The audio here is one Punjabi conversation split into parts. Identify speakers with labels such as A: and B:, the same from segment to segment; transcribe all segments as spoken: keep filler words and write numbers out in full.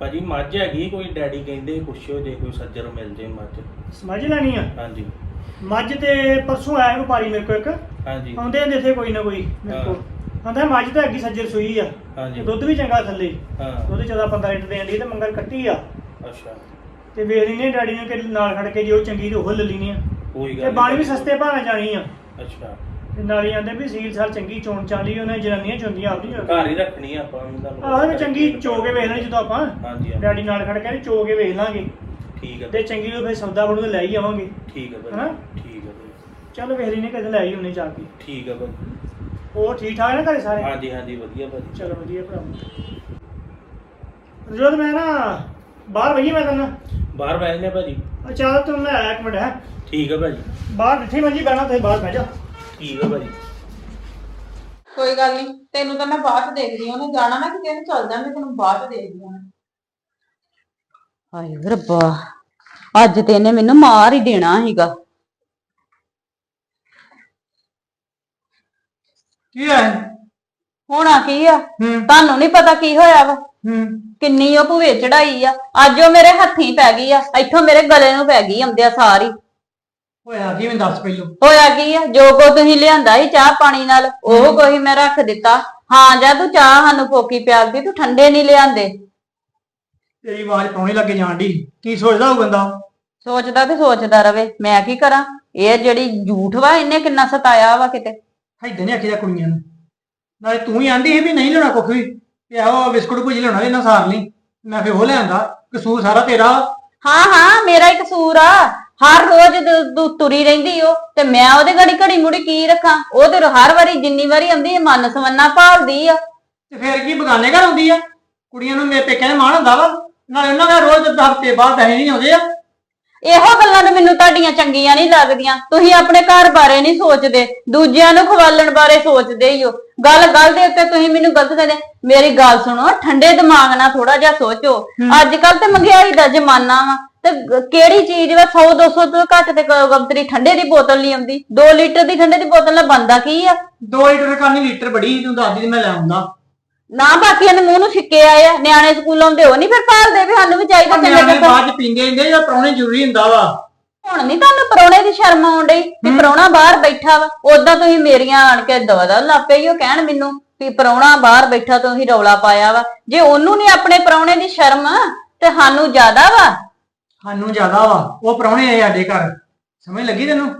A: ਭਾਜੀ ਮੱਝ ਹੈਗੀ ਕੋਈ ਡੈਡੀ ਕਹਿੰਦੇ ਪੁੱਛਿਓ ਜੇ ਕੋਈ ਸੱਜਰ ਮਿਲ ਜੇ ਮੱਝ।
B: ਸਮਝ ਲੈਣੀ ਆ।
A: ਹਾਂਜੀ
B: ਮੱਝ ਤੇ ਪਰਸੋਂ ਆਇਆ ਵਪਾਰੀ ਮੇਰੇ ਕੋਲ ਇੱਕ,
A: ਹਾਂਜੀ
B: ਆਉਂਦੇ ਹੁੰਦੇ ਇੱਥੇ ਕੋਈ ਨਾ ਕੋਈ ਮੇਰੇ ਕੋਲ। ਕਹਿੰਦਾ ਮੱਝ ਤਾਂ ਹੈਗੀ ਸੱਜਰ ਸੂਈ ਆ,
A: ਹਾਂਜੀ
B: ਦੁੱਧ ਵੀ ਚੰਗਾ ਥੱਲੇ।
A: ਹਾਂ
B: ਦੁੱਧ ਚੌਦਾਂ ਪੰਦਰਾਂ ਲੀਟਰ ਦੇਣ ਦੀ ਤੇ ਮੰਗਲ ਕੱਟੀ ਆ।
A: ਅੱਛਾ
B: ਤੇ ਵੇਖ ਲੈਨੇ ਡੈਡੀ ਨੇ ਕਿ ਨਾਲ ਖੜ ਕੇ ਜੇ ਉਹ ਚੰਗੀ ਤੇ ਉਹ ਲੈ ਲੈਣੀ ਆ।
A: ਕੋਈ ਗੱਲ
B: ਤੇ ਬਾਣੀ ਵੀ ਸਸਤੇ ਭਾਵੇਂ ਜਾਣੀ ਆ।
A: ਅੱਛਾ
B: ਤੇ ਨਾਲ ਹੀ ਆਂਦੇ ਵੀ ਸੀਲ ਸਾਲ ਚੰਗੀ ਚੋਣ ਚਾਲੀ ਉਹਨੇ ਜਨਾਨੀਆਂ ਚੁੰਦੀਆਂ ਆਪਦੀ
A: ਘਰ ਹੀ ਰੱਖਣੀ ਆ ਆਪਾਂ ਤੁਹਾਨੂੰ
B: ਆਹੋ ਵੀ ਚੰਗੀ ਚੋ ਕੇ ਵੇਖ ਲੈਣੀ ਜਦੋਂ ਆਪਾਂ
A: ਹਾਂਜੀ
B: ਡੈਡੀ ਨਾਲ ਖੜ ਕੇ ਚੋ ਕੇ ਵੇਖ ਲਾਂਗੇ।
A: ਠੀਕ ਹੈ
B: ਤੇ ਚੰਗੀ ਨੂੰ ਫਿਰ ਸੌਦਾ ਬਣੂ ਤੇ ਲੈ ਹੀ ਆਵਾਂਗੇ।
A: ਠੀਕ ਹੈ
B: ਹਨਾ?
A: ਭਾਜੀ ਠੀਕ ਹੈ ਭਾਜੀ
B: ਚਲੋ ਵੇਖ ਲੈਨੇ ਕਦੇ ਲੈ ਹੀ ਉਹਨੇ ਜਾ ਕੇ।
A: ਠੀਕ ਹੈ ਭਾਜੀ
B: ਉਹ ਠੀਕ ਠਾਕ ਨੇ ਘਰੇ ਸਾਰੇ?
A: ਹਾਂਜੀ ਹਾਂਜੀ ਵਧੀਆ ਭਾਜੀ
B: ਚਲੋ ਵਧੀਆ ਭਰਾ। ਜਦੋਂ ਮੈਂ ਨਾ ਬਾਹਰ ਵਈ ਮੈਂ ਤੈਨੂੰ
A: ਬਾਹਰ ਬੈਠ ਨੇ ਭਾਜੀ।
B: ਚੱਲ ਤੂੰ ਮੈਂ ਆਇਆ ਇੱਕ ਮਿੰਟ ਹੈ
A: ਠੀਕ ਹੈ ਭਾਜੀ
B: ਬਾਹਰ ਡਿੱਠੀ ਮੰਜੀ ਬਹਿਣਾ ਤੁਸੀਂ ਬਾਹਰ ਬਹਿ ਜਾ।
A: ਠੀਕ ਹੈ ਭਾਜੀ
C: ਕੋਈ ਗੱਲ ਨਹੀਂ, ਤੈਨੂੰ ਤਾਂ ਮੈਂ ਬਾਅਦ ਚ ਦੇਖਦੀ ਹਾਂ। ਉਹਨੇ ਜਾਣਾ ਨਾ ਕਿਤੇ ਨੂੰ ਚੱਲ ਜਾਂਦੇ, ਤੈਨੂੰ ਬਾਅਦ ਚ ਦੇਖਦੀ ਹਾਂ।
D: ਹਾਏ ਰੱਬਾ, ਅੱਜ ਤੇ ਇਹਨੇ ਮੈਨੂੰ ਮਾਰ ਹੀ ਦੇਣਾ ਸੀਗਾ।
B: ਕੀ ਹੈ?
D: ਹੋਣਾ ਕੀ ਆ,
B: ਹੂੰ
D: ਤੁਹਾਨੂੰ ਨਹੀਂ ਪਤਾ ਕੀ ਹੋਇਆ ਵਾ।
B: ਹੂੰ
D: ਕਿੰਨੀ ਉਹ ਭੂਵੇ ਚੜਾਈ ਆ, ਅੱਜ ਉਹ ਮੇਰੇ ਹੱਥੀਂ ਪੈ ਗਈ ਆ, ਇੱਥੋਂ ਮੇਰੇ ਗਲੇ ਨੂੰ ਪੈ ਗਈ ਆਉਂਦਿਆ ਸਾਰੀ।
B: ਹੋਇਆ ਕੀ ਮੈਨੂੰ ਦੱਸ ਪਹਿਲੋਂ।
D: ਹੋਇਆ ਕੀ ਆ, ਜੋ ਕੋ ਤੁਸੀਂ ਲਿਆਂਦਾ ਸੀ ਚਾਹ ਪਾਣੀ ਨਾਲ ਉਹ ਕੋਈ ਮੈਂ ਰੱਖ ਦਿੱਤਾ। ਹਾਂ ਜਾਂ ਤੂੰ ਚਾਹ ਸਾਨੂੰ ਫੋਕੀ ਪਿਆਲਦੀ, ਤੂੰ ਠੰਡੇ ਨਹੀਂ ਲਿਆਂਦੇ।
B: ਤੇਰੀ ਆਵਾਜ਼ ਪਾਉਣੀ ਲੱਗੇ ਜਾਣ ਦੀ। ਕੀ ਸੋਚਦਾ ਉਹ ਬੰਦਾ?
D: ਸੋਚਦਾ ਤੇ ਸੋਚਦਾ ਰਵੇ, ਮੈਂ ਕੀ ਕਰਾਂ। ਇਹ ਜਿਹੜੀ ਝੂਠ ਵਾ ਇਹਨੇ ਕਿੰਨਾ ਸਤਾਇਆ ਵਾ ਕਿਤੇ।
B: ਇਦਾਂ ਨਹੀਂ ਆਖੀਦਾ ਕੁੜੀਆਂ ਨੂੰ। ਨਾਲੇ ਤੂੰ ਹੀ ਆਂਦੀ ਸੀ ਵੀ ਨਹੀਂ ਲੈਣਾ ਕੁੱਖ ਵੀ, ਤੇ ਆਹੋ ਬਿਸਕੁਟ ਭੁਜੀ ਲੈਣਾ ਇਹਨਾਂ ਸਾਰ ਲਈ। ਮੈਂ ਫਿਰ ਉਹ ਲਿਆਂਦਾ, ਕਸੂਰ ਸਾਰਾ ਤੇਰਾ।
D: ਹਾਂ ਹਾਂ ਮੇਰਾ ਹੀ ਕਸੂਰ ਆ। ਹਰ ਰੋਜ਼ ਦ- ਤੂੰ ਤੁਰੀ ਰਹਿੰਦੀ ਓ ਤੇ ਮੈਂ ਉਹਦੇ ਗਾੜੀ ਘੜੀ ਮੁੜੀ ਕੀ ਰੱਖਾਂ। ਉਹ ਤੇ ਹਰ ਵਾਰੀ ਜਿੰਨੀ ਵਾਰੀ ਆਉਂਦੀ ਮਨ ਸਵੰਨਾ ਭਾਲਦੀ ਆ।
B: ਤੇ ਫਿਰ ਕੀ ਬਗਾਨੇ ਘਰ ਆਉਂਦੀ ਆ? ਕੁੜੀਆਂ ਨੂੰ ਮੇਰੇ ਪੇਕਿਆਂ ਦੇ ਮਾਣ ਹੁੰਦਾ ਵਾ। ਨਾਲੇ ਉਹਨਾਂ ਦਾ ਰੋਜ਼ ਹਫ਼ਤੇ ਬਾਅਦ ਪੈਸੇ ਨਹੀਂ ਆਉਂਦੇ ਆ।
D: ਇਹੋ ਗੱਲਾਂ ਤਾਂ ਮੈਨੂੰ ਤੁਹਾਡੀਆਂ ਚੰਗੀਆਂ ਨਹੀਂ ਲੱਗਦੀਆਂ। ਤੁਸੀਂ ਆਪਣੇ ਘਰ ਬਾਰੇ ਨਹੀਂ ਸੋਚਦੇ, ਦੂਜਿਆਂ ਨੂੰ ਖਵਾਲਣ ਬਾਰੇ ਸੋਚਦੇ ਹੀ ਹੋ। ਗੱਲ ਗੱਲ ਦੇ ਉੱਤੇ ਤੁਸੀਂ ਮੈਨੂੰ ਗਲਤ ਕਹਿੰਦੇ। ਮੇਰੀ ਗੱਲ ਸੁਣੋ, ਠੰਡੇ ਦਿਮਾਗ ਨਾਲ ਥੋੜਾ ਜਿਹਾ ਸੋਚੋ। ਅੱਜ ਕੱਲ ਤੇ ਮਹਿੰਗਾਈ ਦਾ ਜ਼ਮਾਨਾ ਵਾ ਤੇ ਗ- ਕਿਹੜੀ ਚੀਜ਼ ਵਾ ਸੌ ਦੋ ਸੌ ਤੋਂ ਘੱਟ ਤੇ ਗੰਤਰੀ ਠੰਡੇ ਦੀ ਬੋਤਲ ਨਹੀਂ ਆਉਂਦੀ। ਦੋ ਲੀਟਰ ਦੀ ਠੰਡੇ ਦੀ ਬੋਤਲ ਨਾਲ ਬਣਦਾ ਕੀ ਆ?
B: ਦੋ ਲੀਟਰ ਕਰਨੀ ਲੀਟਰ ਬੜੀ ਤੂੰ ਦੱਸਦੀ ਮੈਂ ਲੈ ਆਉਂਦਾ।
D: ਨਾ ਬਾਕੀਆਂ ਦੇ ਮੂੰਹ ਨੂੰ ਛਿੱਕੇ ਆਏ ਆ। ਨਿਆਣੇ ਸਕੂਲ ਆਉਂਦੇ ਉਹ ਨਹੀਂ ਫਿਰ ਭਾਲਦੇ ਵੀ ਸਾਨੂੰ ਵੀ ਚਾਹੀਦਾ
B: ਨਿਆਣੇ
D: ਚੰਗੇ ਕੱਪੜੇ।
B: ਬਾਅਦ ਚ ਪੀਂਦੇ ਹੁੰਦੇ ਜਾਂ ਪ੍ਰਾਹੁਣੇ ਜ਼ਰੂਰੀ ਹੁੰਦਾ ਵਾ।
D: ਹੁਣ ਨਹੀਂ ਤੁਹਾਨੂੰ ਪ੍ਰਾਹੁਣੇ ਦੀ ਸ਼ਰਮ ਆਉਣ ਡਈ ਵੀ ਪ੍ਰਾਹੁਣਾ ਬਾਹਰ ਬੈਠਾ ਵਾ। ਉਦਾਂ ਤੁਸੀਂ ਮੇਰੀਆਂ ਆਣ ਕੇ ਦਵਾ ਲੱਪੇ ਹੀ ਉਹ ਕਹਿਣ ਮੈਨੂੰ ਵੀ ਪ੍ਰਾਹੁਣਾ ਬਾਹਰ ਬੈਠਾ ਤੁਸੀਂ ਰੌਲਾ ਪਾਇਆ ਵਾ। ਜੇ ਉਹਨੂੰ ਨਹੀਂ ਆਪਣੇ ਪ੍ਰਾਹੁਣੇ ਦੀ ਸ਼ਰਮ ਤੇ ਸਾਨੂੰ ਜ਼ਿਆਦਾ ਵਾ।
B: ਸਾਨੂੰ ਜ਼ਿਆਦਾ ਵਾ, ਉਹ ਪ੍ਰਾਹੁਣੇ ਆਏ ਸਾਡੇ ਘਰ। ਸਮਝ ਲੱਗੀ ਤੈਨੂੰ?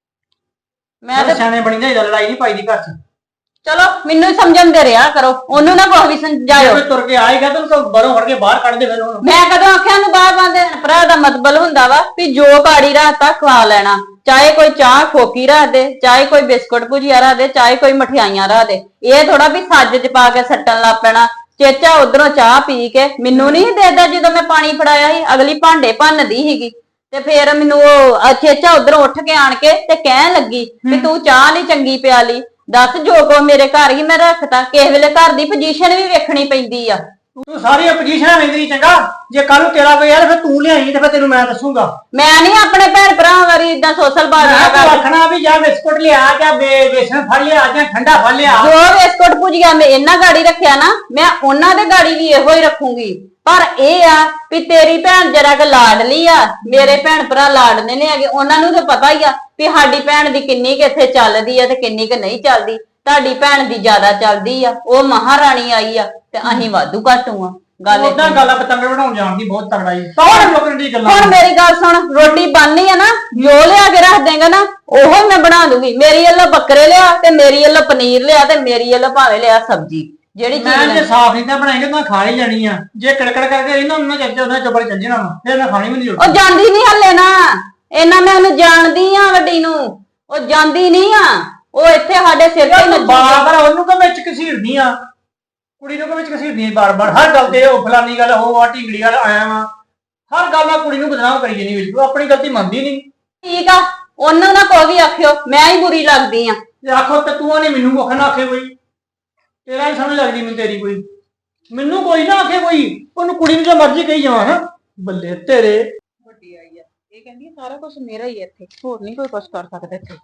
D: ਮੈਂ ਤੇ
B: ਸਿਆਣੇ ਬਣੀ ਜਾਈਦਾ, ਲੜਾਈ ਨਹੀਂ ਪਾਈਦੀ ਘਰ ਚ।
D: ਚਲੋ ਮੈਨੂੰ ਹੀ ਸਮਝਣ ਦੇ ਰਿਹਾ ਕਰੋ, ਉਹਨੂੰ ਨਾ ਕੋਈ ਵੀ ਸਮਝਾਇਓ।
B: ਜੇ ਤੁਰ ਕੇ ਆਏਗਾ ਤਾਂ ਉਹਨੂੰ ਬਾਹਰੋਂ ਫੜ ਕੇ ਬਾਹਰ ਕੱਢ ਦੇ ਫਿਰ ਉਹਨੂੰ।
D: ਮੈਂ ਕਦੋਂ ਆਖਿਆ ਨੂੰ ਬਾਹਰ ਬੰਦੇ ਭਰਾ ਦਾ ਮਤਲਬ ਹੁੰਦਾ ਵਾ ਵੀ ਜੋ ਕਾੜੀ ਰਾਤਾ ਖਵਾ ਲੈਣਾ। ਚਾਹੇ ਕੋਈ ਚਾਹ ਖੋਕੀ ਰੱਖ ਦੇ, ਚਾਹੇ ਕੋਈ ਬਿਸਕੁਟ ਭੁਜੀਆ ਰੱਖ ਦੇ, ਚਾਹੇ ਕੋਈ ਮਠਿਆਈਆਂ ਰੱਖ ਦੇ। ਇਹ ਥੋੜਾ ਵੀ ਸੱਜ ਚ ਪਾ ਕੇ ਸੱਟਣ ਲੱਗ ਪੈਣਾ। ਚੇਚਾ ਉਧਰੋਂ ਚਾਹ ਪੀ ਕੇ ਮੈਨੂੰ ਨਹੀਂ ਦੇਦਾ। ਜਦੋਂ ਮੈਂ ਪਾਣੀ ਫੜਾਇਆ ਸੀ ਅਗਲੀ ਭਾਂਡੇ ਭੰਨਦੀ ਸੀਗੀ ਤੇ ਫੇਰ ਮੈਨੂੰ ਉਹ ਚੇਚਾ ਉਧਰੋਂ ਉੱਠ ਕੇ ਆਣ ਕੇ ਤੇ ਕਹਿਣ ਲੱਗੀ ਵੀ ਤੂੰ ਚਾਹ ਨਹੀਂ ਚੰਗੀ ਪਿਆਲੀ। ਦੱਸ, ਜੋ ਕੋ ਮੇਰੇ ਘਰ ਹੀ ਮੈਂ ਰੱਖਤਾ। ਕਿਸੇ ਵੇਲੇ ਘਰ ਦੀ ਪੋਜੀਸ਼ਨ ਵੀ ਵੇਖਣੀ ਪੈਂਦੀ ਆ।
B: ਤੂੰ ਸਾਰੀਆਂ ਪੋਜੀਸ਼ਨਾਂ ਲੈਂਦੀ ਚੰਗਾ। ਜੇ ਕੱਲ ਨੂੰ ਤੇਰਾ ਕੋਈ ਯਾਰ ਫਿਰ ਤੂੰ ਲਿਆਈ ਤੇ ਫਿਰ ਤੈਨੂੰ ਮੈਂ ਦੱਸੂਗਾ।
D: ਮੈਂ ਨਹੀਂ ਆਪਣੇ ਭੈਣ ਭਰਾਵਾਂ ਵਾਰੀ ਇਦਾਂ ਸੋਸ਼ਲ ਬਾਜ਼ੀਆਂ
B: ਮੈਂ
D: ਕਰ।
B: ਆਖਣਾ ਵੀ ਜਾਂ ਬਿਸਕੁਟ ਲਿਆ ਜਾਂ ਬੇ- ਬੇਸਣ ਫੜ ਲਿਆ ਜਾਂ ਠੰਡਾ ਫੜ ਲਿਆ।
D: ਜੋ ਬਿਸਕੁਟ ਭੁਜੀਆ ਮੈਂ ਇਹਨਾਂ ਗਾੜੀ ਰੱਖਿਆ ਨਾ, ਮੈਂ ਉਹਨਾਂ ਦੇ ਗਾੜੀ ਵੀ ਇਹੋ ਹੀ ਰੱਖੂੰਗੀ। ਪਰ ਇਹ ਆ ਵੀ ਤੇਰੀ ਭੈਣ ਜਰਾ ਕਿ ਲਾਡਲੀ ਆ, ਮੇਰੇ ਭੈਣ ਭਰਾ ਲਾਡਨੇ ਨੇ ਹੈਗੇ। ਉਹਨਾਂ ਨੂੰ ਤਾਂ ਪਤਾ ਹੀ ਆ ਵੀ ਸਾਡੀ ਭੈਣ ਦੀ ਕਿੰਨੀ ਕਿ ਇੱਥੇ ਚੱਲਦੀ ਆ ਤੇ ਕਿੰਨੀ ਕਿ ਨਹੀਂ ਚੱਲਦੀ। ਤੁਹਾਡੀ ਭੈਣ ਦੀ ਜ਼ਿਆਦਾ ਚੱਲਦੀ ਆ, ਉਹ ਮਹਾਰਾਣੀ ਆਈ ਆ ਤੇ ਅਸੀਂ ਵਾਧੂ ਘਾਟੂ ਆ। ਗੱਲ
B: ਉਦਾਂ
D: ਏਦਾਂ।
B: ਗੱਲ ਆ ਪਤੰਗ ਬਣਾਉਣ ਜਾਣ ਦੀ ਬਹੁਤ ਤਗੜਾ ਈ। ਕੌਣ ਲੋਕਾਂ ਦੀ ਗੱਲਾਂ?
D: ਹੁਣ ਮੇਰੀ ਗੱਲ ਸੁਣ, ਰੋਟੀ ਬਣਨੀ ਆ ਨਾ, ਜੋ ਲਿਆ ਕੇ ਰੱਖ ਦੇਗਾ ਨਾ ਉਹੋ ਹੀ ਮੈਂ ਬਣਾ ਦੂੰਗੀ। ਮੇਰੀ ਵੱਲੋਂ ਬੱਕਰੇ ਲਿਆ ਤੇ ਮੇਰੀ ਵੱਲੋਂ ਪਨੀਰ ਲਿਆ ਤੇ ਮੇਰੀ ਵੱਲੋਂ ਭਾਵੇਂ ਲਿਆ ਸਬਜ਼ੀ। ਜਿਹੜੀ
B: ਮੈਂ
D: ਚੀਜ਼
B: ਜੇ ਸਾਫ ਨਹੀਂ ਤਾਂ ਬਣਾਏਗਾ ਤਾਂ ਖਾ ਹੀ ਜਾਣੀ ਆ। ਜੇ ਕੜਕੜ ਕਰਕੇ ਇਹਨਾਂ ਨੂੰ ਚੱਜ ਉਹਨਾਂ ਚੁੱਪਰ ਚੱਲ ਜਾਣਾ ਵਾ, ਫਿਰ ਮੈਂ ਖਾਣੀ ਵੀ ਨਹੀਂ
D: ਉਹ ਜਾਂਦੀ ਨਹੀਂ ਹੱਲੇ ਨਾ। ਇਹਨਾਂ ਮੈਂ ਉਹਨੂੰ ਜਾਣਦੀ ਆ ਵੱਡੀ ਨੂੰ, ਉਹ ਜਾਂਦੀ ਨਹੀਂ ਆ। ਉਹ ਇੱਥੇ ਸਾਡੇ ਸਿਰ ਤੇ ਨੱਚੀ
B: ਬਾਰ ਬਾਰ ਉਹਨੂੰ ਕੋ ਵਿੱਚ ਘਸੀੜਦੀ ਆ, ਕੁੜੀ ਨੂੰ ਕੋ ਵਿੱਚ ਘਸੀੜਦੀ ਬਾਰ ਬਾਰ। ਹਰ ਗੱਲ ਤੇ ਉਹ ਫਲਾਨੀ ਗੱਲ ਉਹ ਆ ਢਿੰਗੜੀ ਵਾਲਾ ਆਇਆ ਵਾ। ਹਰ ਗੱਲ ਨਾਲ ਕੁੜੀ ਨੂੰ ਬਦਨਾਮ ਕਰੀ ਜਾਨੀ ਵਿੱਚ। ਉਹ ਆਪਣੀ ਗਲਤੀ ਮੰਨਦੀ ਨਹੀਂ।
D: ਠੀਕ ਆ, ਉਹਨੂੰ ਨਾ ਕੋਈ ਵੀ ਆਖਿਓ, ਮੈਂ ਹੀ ਬੁਰੀ ਲੱਗਦੀ ਆ।
B: ਤੇ ਆਖੋ ਤੇ ਤੂੰ ਨੇ ਮੈਨੂੰ ਕੁੱਖ ਨਾ ਆਖੇ ਕੋਈ। ਤੇਰਾ ਹੀ ਸਮਝ ਲੱਗਦੀ ਮੈਨੂੰ ਤੇਰੀ ਕੋਈ। ਮੈਨੂੰ ਕੋਈ ਨਾ ਆਖੇ ਕੋਈ। ਉਹਨੂੰ ਕੁੜੀ ਨੂੰ ਜੋ ਮਰਜ਼ੀ ਕਹੀ ਜਾਵਾਂ। ਹੈ ਬੱਲੇ ਤੇਰੇ।
C: ਵੱਡੀ ਆਈ ਆ, ਇਹ ਕਹਿੰਦੀ ਸਾਰਾ ਕੁਝ ਮੇਰਾ ਹੀ ਆ ਇੱਥੇ, ਹੋਰ ਨਹੀਂ ਕੋਈ ਕੁਝ ਕਰ ਸਕਦਾ ਇੱਥੇ।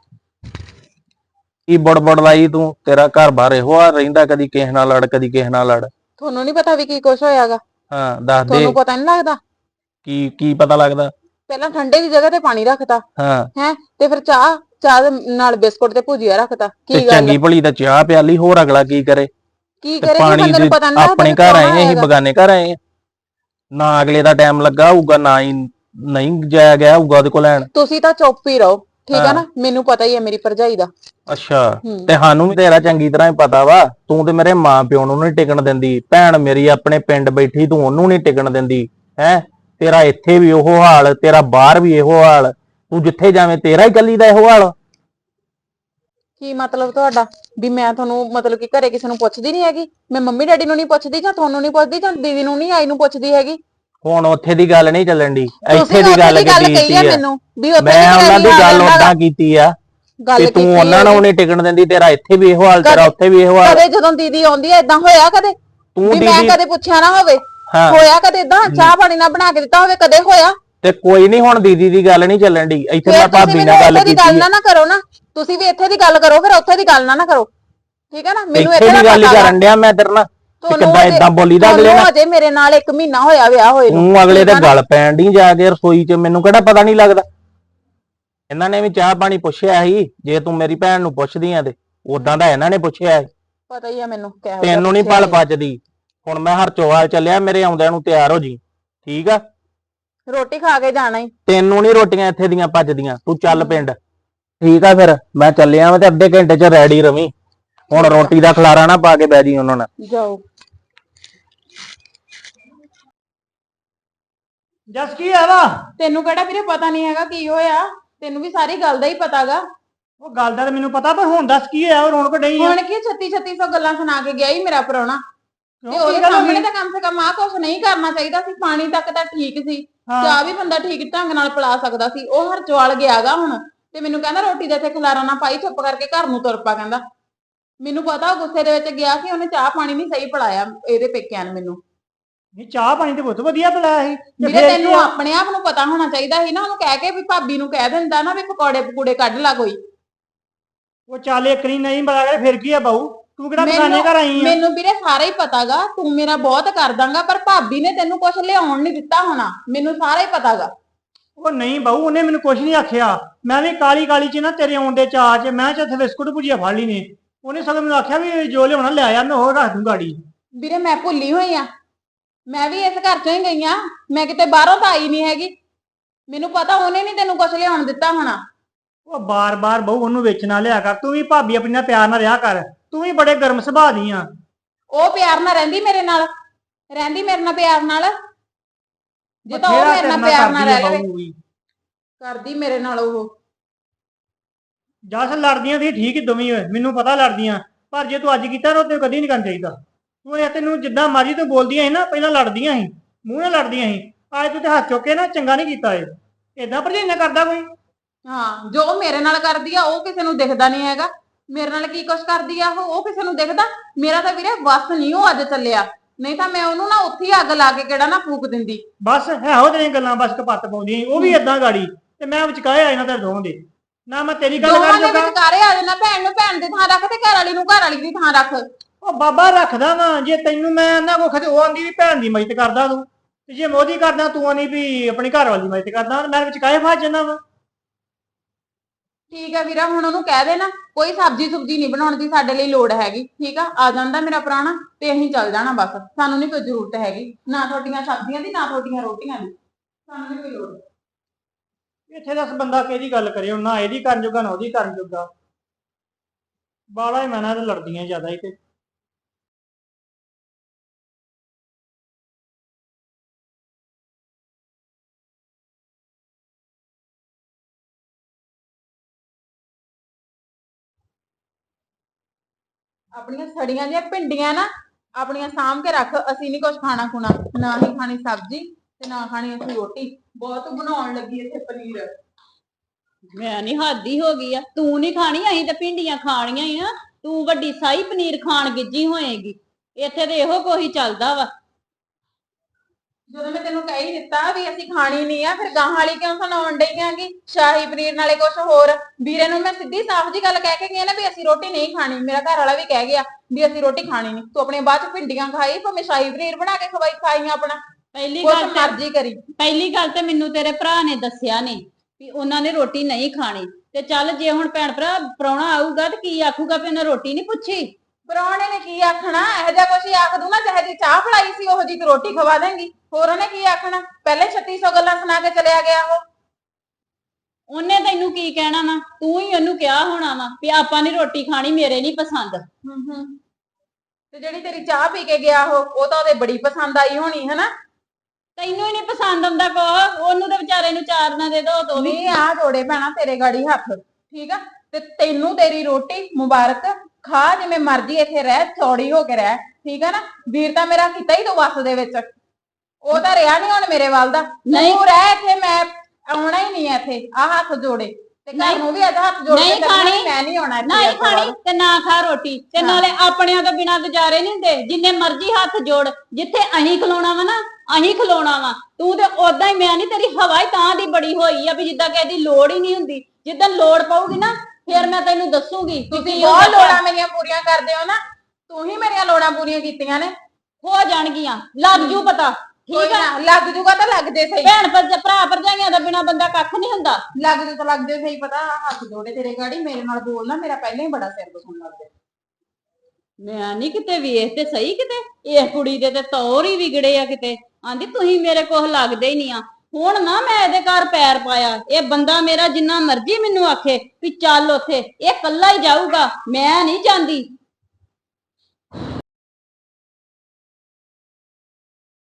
E: ਕੀ ਬੜਬੜ ਲਾਈ ਤੂੰ? ਤੇਰਾ ਘਰ ਬਾਹਰ ਇਹੋ ਆ ਰਹਿੰਦਾ, ਕਦੀ ਕਿਸੇ ਨਾਲ ਲੜ ਕਦੀ ਕਿਸੇ ਨਾਲ ਲੜ।
C: ਤੁਹਾਨੂੰ ਨਹੀਂ ਪਤਾ ਵੀ ਕੀ ਕੁਝ ਹੋਇਆਗਾ।
E: ਹਾਂ ਦੱਸ ਦੇ
C: ਤੁਹਾਨੂੰ ਪਤਾ ਨਹੀਂ ਲੱਗਦਾ?
E: ਕੀ ਕੀ ਪਤਾ ਲੱਗਦਾ?
C: ਪਹਿਲਾਂ ਠੰਡੇ ਦੀ ਜਗ੍ਹਾ ਤੇ ਪਾਣੀ ਰੱਖਤਾ
E: ਹਾਂ
C: ਹੈ, ਤੇ ਫਿਰ ਚਾਹ ਚਾਹ ਦੇ ਨਾਲ ਬਿਸਕੁਟ ਤੇ ਭੁਜੀਆ ਰੱਖਤਾ।
E: ਤੇ
C: ਕੀ ਗੱਲ
E: ਚੰਗੀ ਭਲੀ ਤਾਂ ਚਾਹ ਪਿਆਲੀ, ਹੋਰ ਅਗਲਾ ਕੀ ਕਰੇ?
C: ਕੀ
E: ਤੇ
C: ਕਰੇ ਜੇ
E: ਪਾਣੀ
C: ਬੰਦੇ ਨੂੰ
E: ਦੀ
C: ਪਤਾ ਨਹੀਂ ਲੱਗਦਾ
E: ਆਪਣੇ
C: ਵੀ
E: ਘਰ
C: ਕੌਣ
E: ਆਏ ਅਸੀਂ
C: ਆਏਗਾ?
E: ਬਗਾਨੇ ਘਰ ਆਏ ਆ। ਨਾ ਅਗਲੇ ਦਾ ਟਾਈਮ ਲੱਗਾ ਹੋਊਗਾ, ਨਾ ਹੀ ਨਹੀਂ ਜਾਇਆ ਗਿਆ ਹੋਊਗਾ ਉਹਦੇ ਕੋਲ ਲੈਣ।
C: ਤੁਸੀਂ ਤਾਂ ਚੁੱਪ ਹੀ ਰਹੋ, ਠੀਕ ਆ
E: ਹਾਂ।
C: ਨਾ? ਮੈਨੂੰ ਪਤਾ ਹੀ ਹੈ ਮੇਰੀ ਭਰਜਾਈ ਦਾ।
E: ਅੱਛਾ
C: ਹੂੰ।
E: ਤੇ ਸਾਨੂੰ ਵੀ ਤੇਰਾ ਚੰਗੀ ਤਰ੍ਹਾਂ ਹੀ ਪਤਾ ਵਾ, ਤੂੰ ਤੇ ਮੇਰੇ ਮਾਂ ਪਿਓ ਨੂੰ ਨਹੀਂ ਟਿਕਣ ਦਿੰਦੀ, ਭੈਣ ਮੇਰੀ ਆਪਣੇ ਪਿੰਡ ਬੈਠੀ ਤੂੰ ਉਹਨੂੰ ਨਹੀਂ ਟਿਕਣ ਦਿੰਦੀ ਹੈ। ਤੇਰਾ ਇੱਥੇ ਵੀ ਉਹੋ ਹਾਲ, ਤੇਰਾ ਬਾਹਰ ਵੀ ਇਹੋ ਹਾਲ, ਤੂੰ ਜਿੱਥੇ ਜਾਵੇਂ ਤੇਰਾ ਹੀ ਕੱਲੀ ਦਾ ਇਹੋ ਹਾਲ।
C: ਕੀ ਮਤਲਬ ਤੁਹਾਡਾ? ਵੀ ਮੈਂ ਤੁਹਾਨੂੰ ਮਤਲਬ ਕਿ ਘਰੇ ਕਿਸੇ ਨੂੰ ਪੁੱਛਦੀ ਨਹੀਂ ਹੈਗੀ? ਮੈਂ ਮੰਮੀ ਡੈਡੀ ਨੂੰ ਨਹੀਂ ਪੁੱਛਦੀ, ਜਾਂ ਤੁਹਾਨੂੰ ਨਹੀਂ ਪੁੱਛਦੀ, ਜਾਂ ਦੀਦੀ ਨੂੰ ਨਹੀਂ, ਆਈ ਨੂੰ ਪੁੱਛਦੀ ਹੈਗੀ?
E: ਹੁਣ ਉੱਥੇ ਦੀ ਗੱਲ ਨਹੀਂ ਚੱਲਣ ਦੀ, ਇੱਥੇ
C: ਤੁਸੀਂ
E: ਦੀ
C: ਉੱਥੇ
E: ਗੱਲ
C: ਦੀ ਗੱਲ
E: ਕੀਤੀ
C: ਕਹੀ ਆ
E: ਆ।
C: ਮੈਨੂੰ ਵੀ ਉੱਥੇ
E: ਮੈਂ ਉਹਨਾਂ ਦੀ ਗੱਲ ਉਦਾਂ ਕੀਤੀ ਆ
C: ਗੱਲ
E: ਕਿ ਤੂੰ
C: ਕੀਤੀ
E: ਉਹਨਾਂ ਨੂੰ ਨਹੀਂ ਟਿਕਣ ਦਿੰਦੀ, ਤੇਰਾ ਇੱਥੇ ਵੀ ਇਹੋ ਹਾਲ, ਤੇਰਾ ਉੱਥੇ ਵੀ ਇਹੋ ਹਾਲ।
C: ਕਦੇ ਜਦੋਂ ਦੀਦੀ ਆਉਂਦੀ ਐ ਇਦਾਂ ਹੋਇਆ ਕਦੇ
E: ਤੂੰ
C: ਵੀ ਮੈਂ
E: ਦੀਦੀ
C: ਕਦੇ ਪੁੱਛਿਆ ਨਾ ਹੋਵੇ?
E: ਹਾਂ
C: ਹੋਇਆ ਕਦੇ ਇਦਾਂ ਚਾਹ ਪਾਣੀ ਨਾ ਬਣਾ ਕੇ ਦਿੱਤਾ ਹੋਵੇ? ਕਦੇ ਹੋਇਆ?
E: ਤੇ ਕੋਈ ਨਹੀਂ, ਹੁਣ ਦੀਦੀ ਦੀ ਗੱਲ ਨਹੀਂ ਚੱਲਣ ਦੀ, ਇੱਥੇ
C: ਫਿਰ
E: ਮੈਂ
C: ਤੁਸੀਂ
E: ਭਾਬੀ
C: ਮੈਨੂੰ
E: ਨਾਲ ਗੱਲ
C: ਉੱਥੇ ਦੀ ਗੱਲ
E: ਕੀਤੀ
C: ਨਾ
E: ਆ।
C: ਨਾ ਕਰੋ ਨਾ, ਤੁਸੀਂ ਵੀ ਇੱਥੇ ਦੀ ਗੱਲ ਕਰੋ, ਫਿਰ ਉੱਥੇ ਦੀ ਗੱਲ ਨਾ ਨਾ ਕਰੋ, ਠੀਕ ਹੈ ਨਾ? ਮੈਨੂੰ
E: ਇੱਥੇ
C: ਇੱਥੇ
E: ਦੀ
C: ਦਾ
E: ਗੱਲ ਹੀ
C: ਪਤਾ
E: ਕਰਨ ਡਿਆ ਮੈਂ ਤੇਰੇ ਨਾਲ,
C: ਤੁਹਾਨੂੰ
E: ਕਿੱਦਾਂ
C: ਅਜੇ-
E: ਇਦਾਂ ਬੋਲੀਦਾ ਅਗਲੇ
C: ਤੁਹਾਨੂੰ
E: ਨਾਲ?
C: ਅਜੇ ਮੇਰੇ ਨਾਲ ਇੱਕ ਮਹੀਨਾ ਹੋਇਆ ਵਿਆਹ ਹੋਏ ਨੂੰ,
E: ਤੂੰ ਅਗਲੇ
C: ਠੀਕ
E: ਦੇ
C: ਆ ਨਾ?
E: ਗੱਲ ਪੈਣ ਦੀ ਜਾ ਕੇ ਰਸੋਈ 'ਚ, ਮੈਨੂੰ ਕਿਹੜਾ ਪਤਾ ਨਹੀਂ ਲੱਗਦਾ? ਇਹਨਾਂ ਨੇ ਵੀ ਚਾਹ ਪਾਣੀ ਪੁੱਛਿਆ ਸੀ, ਜੇ ਤੂੰ ਮੇਰੀ ਭੈਣ ਨੂੰ ਪੁੱਛਦੀ ਆ ਤੇ ਉਦਾਂ ਦਾ ਇਹਨਾਂ ਨੇ ਪੁੱਛਿਆ ਸੀ।
C: ਪਤਾ ਹੀ ਆ ਮੈਨੂੰ ਕਿਹੋ ਜਿਹਾ
E: ਤੈਨੂੰ ਨਹੀਂ
C: ਪੁੱਛਿਆ
E: ਪਲ
C: ਸੀ।
E: ਪਚਦੀ। ਹੁਣ ਮੈਂ ਹਰਚੋਵਾਲ ਚੱਲਿਆ, ਮੇਰੇ ਆਉਂਦਿਆਂ ਨੂੰ ਤਿਆਰ ਹੋ ਜੀ, ਠੀਕ ਆ?
C: ਰੋਟੀ ਖਾ ਕੇ ਜਾਣਾ ਹੀ।
E: ਤੈਨੂੰ ਨਹੀਂ ਰੋਟੀਆਂ ਇੱਥੇ ਦੀਆਂ ਭੱਜਦੀਆਂ, ਤੂੰ ਚੱਲ ਪਿੰਡ, ਠੀਕ ਆ? ਫਿਰ ਮੈਂ ਚੱਲਿਆ ਵਾਂ ਤੇ ਅੱਧੇ ਘੰਟੇ 'ਚ ਰੈਡੀ ਰਵੀਂ। ਹੁਣ ਰੋਟੀ ਦਾ ਖਲਾਰਾ ਨਾ ਪਾ ਕੇ ਬਹਿ ਜੀ ਉਹਨਾਂ ਨਾਲ।
C: ਜਾਓ।
B: ਜਸ ਕੀ ਹੈ ਵਾ?
C: ਤੈਨੂੰ ਕਿਹੜਾ ਵੀਰੇ ਪਤਾ ਨਹੀਂ ਹੈਗਾ ਕੀ ਹੋਇਆ? ਤੈਨੂੰ ਵੀ ਸਾਰੀ ਗੱਲ ਦਾ ਹੀ ਪਤਾਗਾ।
B: ਉਹ ਗੱਲ ਦਾ ਤਾਂ ਮੈਨੂੰ ਪਤਾ, ਪਰ ਹੁਣ ਦੱਸ ਕੀ ਹੋਇਆ? ਉਹ ਰੌਣਕ ਡਈ ਆ।
C: ਹੁਣ ਕੀ ਛੱਤੀ ਛੱਤੀ ਸੌ ਗੱਲਾਂ ਸੁਣਾ ਕੇ ਗਿਆ ਹੀ ਮੇਰਾ ਪ੍ਰਾਹੁਣਾ,
B: ਕਿਉਂ?
C: ਤੇ
B: ਕੀ
C: ਉਹਦੇ
B: ਗੱਲ ਹੋ
C: ਸਾਹਮਣੇ
B: ਗਈ?
C: ਤਾਂ ਕਮ ਸੇ ਕਮ ਆਹ ਕੁਛ ਨਹੀਂ ਕਰਨਾ ਚਾਹੀਦਾ ਸੀ। ਪਾਣੀ ਤੱਕ ਤਾਂ ਠੀਕ ਸੀ,
B: ਹਾਂ।
C: ਚਾਹ ਵੀ ਬੰਦਾ ਠੀਕ ਢੰਗ ਨਾਲ ਪਿਲਾ ਸਕਦਾ ਸੀ। ਉਹ ਹਰਚਵਾਲ ਗਿਆਗਾ ਹੁਣ, ਤੇ ਮੈਨੂੰ ਕਹਿੰਦਾ ਰੋਟੀ ਦਾ ਇੱਥੇ ਖਲਾਰਾ ਨਾ ਪਾਈ, ਚੁੱਪ ਕਰਕੇ ਘਰ ਨੂੰ ਤੁਰ ਪਾ। ਕਹਿੰਦਾ ਮੈਨੂੰ ਪਤਾ ਉਹ ਗੁੱਸੇ ਦੇ ਵਿੱਚ ਗਿਆ ਸੀ, ਉਹਨੇ ਚਾਹ ਪਾਣੀ ਨਹੀਂ ਸਹੀ ਪਿਲਾਇਆ ਇਹਦੇ ਪੇਕਿਆਂ ਨੇ ਮੈਨੂੰ।
B: ਨਹੀਂ, ਚਾਹ ਪਾਣੀ ਤੇ ਬਹੁਤ ਵਧੀਆ ਪਿਲਾਇਆ ਸੀ। ਤੇ
C: ਵੀਰੇ
B: ਫਿਰ ਕੀ
C: ਤੈਨੂੰ
B: ਆ?
C: ਆਪਣੇ ਆਪ ਨੂੰ ਪਤਾ ਹੋਣਾ ਚਾਹੀਦਾ ਸੀ ਨਾ, ਉਹਨੂੰ ਕਹਿ ਕੇ ਵੀ ਭਾਬੀ ਨੂੰ ਕਹਿ ਦਿੰਦਾ ਨਾ ਵੀ ਪਕੌੜੇ ਪਕੂੜੇ ਕੱਢ ਲਾ ਕੋਈ।
B: ਉਹ ਚੱਲ ਇੱਕ ਨਹੀਂ ਨਹੀਂ ਬੜਾ ਕਰ, ਫਿਰ ਕੀ ਆ ਬਾਊ? ਤੂੰ ਕਿਹੜਾ ਬਗਾਨੇ ਘਰ ਆਈ ਆ?
C: ਮੈਨੂੰ ਵੀਰੇ ਸਾਰਾ ਹੀ ਪਤਾਗਾ, ਤੂੰ ਮੇਰਾ ਬਹੁਤ ਕਰ ਦਾਂਗਾ, ਪਰ ਭਾਬੀ ਨੇ ਤੈਨੂੰ ਕੁਝ ਲਿਆਉਣ ਨਹੀਂ ਦਿੱਤਾ ਹੋਣਾ, ਮੈਨੂੰ ਸਾਰਾ ਹੀ ਪਤਾਗਾ।
B: ਉਹ ਨਹੀਂ ਬਾਊ, ਉਹਨੇ ਮੈਨੂੰ ਕੁਝ ਨਹੀਂ ਆਖਿਆ। ਮੈਂ ਵੀ ਕਾਲੀ ਕਾਲੀ ਚ ਨਾ ਤੇਰੇ ਆਉਣ ਦੇ ਚਾਅ ਚ ਮੈਂ ਚ ਬਿਸਕੁਟ ਭੁਜੀਆ ਫੜ ਲਈ ਨੇ। ਉਹਨੇ ਸਗੋਂ ਮੈਨੂੰ ਆਖਿਆ ਵੀ ਜੋ ਲਿਆਉਣਾ ਲੈ ਆ, ਮੈਂ ਹੋਰ ਰੱਖ ਦੂੰ ਗਾੜੀ।
C: ਵੀਰੇ ਮੈਂ ਭੁੱਲੀ ਹੋਈ ਆ, ਮੈਂ ਵੀ ਇਸ ਘਰ ਚੋਂ ਹੀ ਗਈ ਆ, ਮੈਂ ਕਿਤੇ ਬਾਹਰੋਂ ਤਾਂ ਆਈ ਨਹੀਂ ਹੈਗੀ। ਮੈਨੂੰ ਪਤਾ ਉਹਨੇ ਨਹੀਂ ਤੈਨੂੰ ਕੁਝ ਲਿਆਉਣ ਦਿੱਤਾ ਹੋਣਾ।
B: ਉਹ ਬਾਰ-ਬਾਰ ਬਹੂ ਉਹਨੂੰ ਵਿੱਚ ਨਾ ਲਿਆ ਕਰ, ਤੂੰ ਵੀ ਭਾਬੀ ਆਪਣੀ ਨਾਲ ਪਿਆਰ ਨਾਲ ਰਿਹਾ ਕਰ, ਤੂੰ ਵੀ ਬੜੇ ਗਰਮ ਸੁਭਾਅ ਦੀ ਆ।
C: ਉਹ ਪਿਆਰ ਨਾਲ ਰਹਿੰਦੀ ਮੇਰੇ ਨਾਲ, ਰਹਿੰਦੀ ਮੇਰੇ ਨਾਲ ਪਿਆਰ ਨਾਲ, ਜੇ ਤਾਂ ਉਹ
B: ਬਥੇਰਾ
C: ਮੇਰੇ ਨਾਲ
B: ਤੇਰੇ
C: ਪਿਆਰ ਨਾਲ
B: ਕਰਦੀ ਆ
C: ਰਹਿ ਲਵੇ।
B: ਬਹੂ ਵੀ।
C: ਕਰਦੀ ਮੇਰੇ ਨਾਲ ਉਹ।
B: ਜਸ ਲੜਦੀਆਂ ਸੀ ਠੀਕ ਹੀ ਦੋਵੇਂ ਹੋਏ, ਮੈਨੂੰ ਪਤਾ ਲੜਦੀਆਂ, ਪਰ ਜੇ ਤੂੰ ਅੱਜ ਕੀਤਾ ਨਾ ਤੇ ਕਦੀ ਨਹੀਂ ਕਰਨਾ ਚਾਹੀਦਾ। ਤੂੰ ਇਹ ਤੈਨੂੰ ਜਿੱਦਾਂ ਮਰਜ਼ੀ ਤੂੰ ਬੋਲਦੀਆਂ ਸੀ ਨਾ, ਪਹਿਲਾਂ ਲੜਦੀਆਂ ਸੀ, ਮੂੰਹ ਨਾਲ ਲੜਦੀਆਂ ਸੀ, ਅੱਜ ਤੂੰ ਤੇ ਹੱਥ ਚੁੱਕ ਕੇ ਨਾ ਚੰਗਾ ਨਹੀਂ ਕੀਤਾ ਇਹ। ਏਦਾਂ ਭਰਜਾਈ ਨਾ ਕਰਦਾ ਕੋਈ?
C: ਹਾਂ, ਜੋ ਮੇਰੇ ਨਾਲ ਕਰਦੀ ਆ ਉਹ ਕਿਸੇ ਨੂੰ ਦਿਖਦਾ ਨਹੀਂ ਹੈਗਾ। ਮੇਰੇ ਨਾਲ ਕੀ ਕੁਛ ਕਰਦੀ ਆ ਉਹ ਉਹ ਕਿਸੇ ਨੂੰ ਦਿਖਦਾ? ਮੇਰਾ ਤਾਂ ਵੀਰੇ ਵਸ ਨਹੀਂ ਉਹ ਅੱਜ ਚੱਲਿਆ, ਨਹੀਂ ਤਾਂ ਮੈਂ ਉਹਨੂੰ ਨਾ ਉੱਥੇ ਹੀ ਅੱਗ ਲਾ ਕੇ ਕਿਹੜਾ ਨਾ ਫੂਕ ਦਿੰਦੀ।
B: ਬਸ ਇਹੋ ਜਿਹੀਆਂ ਗੱਲਾਂ ਬਸ ਕਪੱਤ ਪਾਉਂਦੀਆਂ ਸੀ, ਉਹ ਵੀ ਏਦਾਂ ਗਾੜੀ, ਤੇ ਮੈਂ ਵਿਚਕਾਏ ਆਏ ਨਾ ਤੇ ਦੋਵਾਂ ਦੇ। ਨਾ ਮੈਂ ਤੇਰੀ ਗੱਲ
C: ਦੋਵਾਂ
B: ਕਰ
C: ਦੇ
B: ਜੋਗਾ।
C: ਵਿਚਕਾਰੇ ਆ ਜਾਣਾ, ਭੈਣ ਨੂੰ ਭੈਣ ਦੀ ਥਾਂ ਰੱਖ ਤੇ ਘਰ ਵਾਲੀ ਨੂੰ ਘਰ ਵਾਲੀ ਦੀ ਥਾਂ ਰੱਖ।
B: ਉਹ ਬਾਬਾ ਰੱਖਦਾ ਵਾ, ਜੇ ਤੈਨੂੰ ਮੈਂ ਇਹਨਾਂ ਕੋ ਖਤੇ ਉਹ ਆਂਦੀ ਵੀ ਭੈਣ ਦੀ ਮਦਦ ਕਰਦਾ ਤੂੰ, ਤੇ ਜੇ ਮੋਦੀ ਕਰਦਾ ਤੂੰ ਆਨੀ ਵੀ ਆਪਣੀ ਘਰ ਵਾਲੀ ਦੀ ਮਦਦ ਕਰਦਾ, ਮੈਂ ਵਿਚਕਾਏ ਫਸ ਜਾਂਦਾ ਵਾ।
C: ਠੀਕ ਆ ਵੀਰਾ, ਹੁਣ ਉਹਨੂੰ ਕਹਿ ਦੇ ਨਾ ਕੋਈ ਸਬਜ਼ੀ ਸੁਬਜ਼ੀ ਨਹੀਂ ਬਣਾਉਣ ਦੀ ਸਾਡੇ ਲਈ ਲੋੜ ਹੈਗੀ, ਠੀਕ ਆ? ਆ ਜਾਂਦਾ ਮੇਰਾ ਪ੍ਰਾਹੁਣਾ ਤੇ ਅਸੀਂ ਚੱਲ ਜਾਣਾ ਬਸ, ਸਾਨੂੰ ਨਹੀਂ ਕੋਈ ਜ਼ਰੂਰਤ ਹੈਗੀ ਨਾ ਤੁਹਾਡੀਆਂ ਸਬਜ਼ੀਆਂ ਦੀ ਨਾ ਤੁਹਾਡੀਆਂ ਰੋਟੀਆਂ ਦੀ, ਸਾਨੂੰ ਨਹੀਂ ਕੋਈ ਲੋੜ।
B: ਇੱਥੇ ਦੱਸ ਬੰਦਾ ਕਿਹਦੀ ਗੱਲ ਕਰੇ ਹੁਣ, ਨਾ ਇਹਦੀ ਕਰਨ ਜੋਗਾ ਨਾ ਉਹਦੀ ਕਰਨ ਜੋਗਾ। ਬਾਲਾ ਹੀ ਮੈਂ ਨਾ ਤੇ ਲੜਦੀਆਂ ਜ਼ਿਆਦਾ ਹੀ ਤੇ।
C: ਆਪਣੀਆਂ ਸੜੀਆਂ ਜਿਹੀਆਂ ਭਿੰਡੀਆਂ ਨਾ ਆਪਣੀਆਂ ਸਾਂਭ ਕੇ ਰੱਖ, ਅਸੀਂ ਨਹੀਂ ਕੁਝ ਖਾਣਾ ਖੁਣਾ, ਨਾ ਹੀ ਖਾਣੀ ਸਬਜ਼ੀ ਤੇ ਨਾ ਖਾਣੀ ਅਸੀਂ ਰੋਟੀ। ਬਹੁਤ ਬਣਾਉਣ ਲੱਗੀ ਇੱਥੇ ਪਨੀਰ।
D: ਮੈਂ ਨਹੀਂ ਹੱਦੀ ਹੋ ਗਈ ਆ, ਤੂੰ ਨਹੀਂ ਖਾਣੀ, ਅਸੀਂ ਤਾਂ ਭਿੰਡੀਆਂ ਖਾਣੀਆਂ ਹੀ ਆ। ਤੂੰ ਵੱਡੀ ਸਾਈ ਪਨੀਰ ਖਾਣ ਗਿੱਜੀ ਹੋਏਗੀ, ਇੱਥੇ ਤੇ ਇਹੋ ਕੋਈ ਚੱਲਦਾ ਵਾ।
C: ਜਦੋਂ ਮੈਂ ਤੈਨੂੰ ਕਹਿ ਹੀ ਦਿੱਤਾ ਵੀ ਅਸੀਂ ਖਾਣੀ ਨਹੀਂ ਆ, ਫਿਰ ਗਾਹਾਂ ਵਾਲੀ ਕਿਉਂ ਸੁਣਾਉਣ ਡਈਆਂਗੀ ਸ਼ਾਹੀ ਪਨੀਰ ਨਾਲੇ ਕੁਛ ਹੋਰ। ਵੀਰੇ ਨੂੰ ਮੈਂ ਸਿੱਧੀ ਸਾਫ਼ ਜੀ ਗੱਲ ਕਹਿ ਕੇ ਗਈ ਆ ਨਾ ਵੀ ਅਸੀਂ ਰੋਟੀ ਨਹੀਂ ਖਾਣੀ, ਮੇਰਾ ਘਰ ਵਾਲਾ ਵੀ ਕਹਿ ਗਿਆ ਵੀ ਅਸੀਂ ਰੋਟੀ ਖਾਣੀ ਨਹੀਂ। ਤੂੰ ਆਪਣੇ ਬਾਅਦ ਚ ਭਿੰਡੀਆਂ ਖਾਈ, ਭਾਵੇਂ ਸ਼ਾਹੀ ਪਨੀਰ ਬਣਾ ਕੇ ਖਵਾਈ ਖਾਈ ਆਪਣਾ,
D: ਪਹਿਲੀ
C: ਕੁਛ
D: ਗੱਲ ਤੇ
C: ਮਰਜ਼ੀ ਕਰੀ।
D: ਪਹਿਲੀ ਗੱਲ ਤੇ ਮੈਨੂੰ ਤੇਰੇ ਭਰਾ ਨੇ ਦੱਸਿਆ ਨੇ ਵੀ ਉਹਨਾਂ ਨੇ ਰੋਟੀ ਨਹੀਂ ਖਾਣੀ, ਤੇ ਚੱਲ ਜੇ ਹੁਣ ਭੈਣ ਭਰਾ ਪ੍ਰਾਹੁਣਾ ਆਊਗਾ ਤੇ ਕੀ ਆਖੂਗਾ ਵੀ ਉਹਨੇ ਰੋਟੀ ਨਹੀਂ ਪੁੱਛੀ।
C: ਪ੍ਰਾਹੁਣੇ ਨੇ ਕੀ ਆਖਣਾ, ਇਹੋ ਜਿਹਾ ਕੁਛ ਹੀ ਆਖ ਦੂੰ ਨਾ, ਜਿਹੇ ਜੀ ਚਾਹ ਫੜਾਈ ਸੀ ਉਹੋ ਜੀ ਤੂੰ ਰੋਟੀ ਖਵਾ ਦੇਂਗੀ, ਹੋਰ ਉਹਨੇ ਕੀ ਆਖਣਾ। ਪਹਿਲੇ ਛੱਤੀ ਸੌ ਗੱਲਾਂ ਸੁਣਾ ਕੇ ਚਲਿਆ ਗਿਆ ਉਹ।
D: ਉਹਨੇ ਤੈਨੂੰ ਕੀ ਕਹਿਣਾ ਵਾ, ਤੂੰ ਹੀ ਉਹਨੂੰ ਕਿਹਾ ਹੋਣਾ ਵਾ ਵੀ ਆਪਾਂ ਨੇ ਰੋਟੀ ਖਾਣੀ, ਮੇਰੇ ਨਹੀਂ ਪਸੰਦ।
C: ਹੂੰ ਹੂੰ ਤੇ ਜਿਹੜੀ ਤੇਰੀ ਚਾਹ ਪੀ ਕੇ ਗਿਆ ਉਹ ਉਹ ਤਾਂ ਉਹਦੇ ਬੜੀ ਪਸੰਦ ਆਈ ਹੋਣੀ ਹਨਾ।
D: ਤੈਨੂੰ ਹੀ ਨਹੀਂ ਪਸੰਦ ਆਉਂਦਾ ਕੋ, ਉਹਨੂੰ ਤੇ ਵਿਚਾਰੇ ਨੂੰ ਚਾਰ ਨਾ ਦੇ ਦੋ ਤੋ ਵੀ।
C: ਨਹੀਂ ਆ ਜੋੜੇ ਭੈਣਾ ਤੇਰੇ ਗਾੜੀ ਹੱਥ, ਠੀਕ ਆ। ਤੇ ਤੈਨੂੰ ਤੇਰੀ ਰੋਟੀ ਮੁਬਾਰਕ, ਖਾ ਜਿਵੇਂ ਮਰਜ਼ੀ ਇੱਥੇ ਰਹਿ, ਚੌੜੀ ਹੋ ਕੇ ਰਹਿ, ਠੀਕ ਆ ਨਾ। ਵੀਰ ਤਾਂ ਮੇਰਾ ਕੀਤਾ ਹੀ ਤੂੰ ਵੱਸ ਦੇ ਵਿੱਚ, ਉਹ ਤਾਂ ਰਿਹਾ ਨਹੀਂ ਹੁਣ ਮੇਰੇ ਵੱਲ ਦਾ।
D: ਨਹੀਂ।
C: ਤੂੰ ਰਹਿ ਇੱਥੇ, ਮੈਂ ਆਉਣਾ ਹੀ ਨਹੀਂ ਇੱਥੇ। ਆ ਹੱਥ ਜੋੜੇ ਤੇ ਘਰ ਨੂੰ ਵੀ ਅੱਜ ਹੱਥ ਜੋੜ ਕੇ
D: ਨਹੀਂ
C: ਕਰਨਾ
D: ਖਾਣੀ।
C: ਵੀ ਮੈਂ ਨਹੀਂ ਆਉਣਾ ਇੱਥੇ
D: ਨਹੀਂ
C: ਅੱਜ ਤੋਂ
D: ਖਾਣੀ
C: ਬਾਅਦ।
D: ਤੇ ਨਾ ਖਾ ਰੋਟੀ, ਤੇ ਨਾਲੇ ਆਪਣਿਆਂ ਤੋਂ ਬਿਨਾਂ ਗੁਜ਼ਾਰੇ ਨਹੀਂ ਹੁੰਦੇ। ਜਿੰਨੇ ਮਰਜ਼ੀ ਹੱਥ ਜੋੜ, ਜਿੱਥੇ ਅਹੀਂ ਖਲੋਣਾ ਵਾ ਨਾ ਅਹੀਂ ਖਲੋਣਾ ਵਾ। ਤੂੰ ਤੇ ਉਦਾਂ ਹੀ, ਮੈਂ ਨਹੀਂ, ਤੇਰੀ ਹਵਾ ਹੀ ਤਾਂ ਦੀ ਬੜੀ ਹੋਈ ਆ ਵੀ ਜਿੱਦਾਂ ਕਿ ਇਹਦੀ ਲੋੜ ਹੀ ਨਹੀਂ ਹੁੰਦੀ। ਜਿੱਦਾਂ ਲੋੜ ਪਊਗੀ ਨਾ ਫਿਰ ਮੈਂ ਤੈਨੂੰ ਦੱਸੂਗੀ।
C: ਤੁਸੀਂ ਬਹੁਤ ਲੋੜਾਂ ਮੇਰੀਆਂ ਪੂਰੀਆਂ ਕਰਦੇ ਹੋ ਨਾ, ਤੂੰ ਹੀ ਮੇਰੀਆਂ ਲੋੜਾਂ ਪੂਰੀਆਂ ਕੀਤੀਆਂ ਨੇ।
D: ਹੋ ਜਾਣਗੀਆਂ, ਲੱਗ ਜੂ ਪਤਾ,
C: ਕੋਈ
D: ਠੀਕ ਆ।
C: ਨਾ, ਲੱਗ ਜੂਗਾ ਤਾਂ ਲੱਗ ਜੇ ਸਹੀ।
D: ਭੈਣ ਭਰ ਭਰਾ ਭਰਜਾਈਆਂ ਦਾ ਬਿਨਾ ਬੰਦਾ ਕੱਖ ਨਹੀਂ ਹੁੰਦਾ।
C: ਲੱਗ ਜੂ ਤਾਂ ਲੱਗ ਜੇ ਸਹੀ। ਪਤਾ ਆਹ ਹੱਥ ਜੋੜੇ ਤੇਰੇ ਗਾੜੀ, ਮੇਰੇ ਨਾਲ ਬੋਲਣਾ, ਮੇਰਾ ਪਹਿਲਾਂ ਹੀ ਬੜਾ ਸਿਰ ਦੁਖਣ ਲੱਗ ਗਿਆ।
D: ਮੈਂ ਨਹੀਂ ਕਿਤੇ ਵੇਖ ਤੇ ਸਹੀ, ਕਿਤੇ ਇਹ ਕੁੜੀ ਦੇ ਤੇ ਤੌਰ ਹੀ ਵਿਗੜੇ ਆ। ਕਿਤੇ ਆਂਦੀ ਤੁਸੀਂ ਮੇਰੇ ਕੋਲ ਲੱਗਦੇ ਹੀ ਨਹੀਂ ਆ। ਹੁਣ ਨਾ ਮੈਂ ਇਹਦੇ ਘਰ ਪੈਰ ਪਾਇਆ, ਇਹ ਬੰਦਾ ਮੇਰਾ ਜਿੰਨਾ ਮਰਜ਼ੀ ਮੈਨੂੰ ਆਖੇ ਵੀ ਚੱਲ ਉੱਥੇ, ਇਹ ਕੱਲਾ ਹੀ ਜਾਊਗਾ, ਮੈਂ ਨਹੀਂ ਜਾਂਦੀ।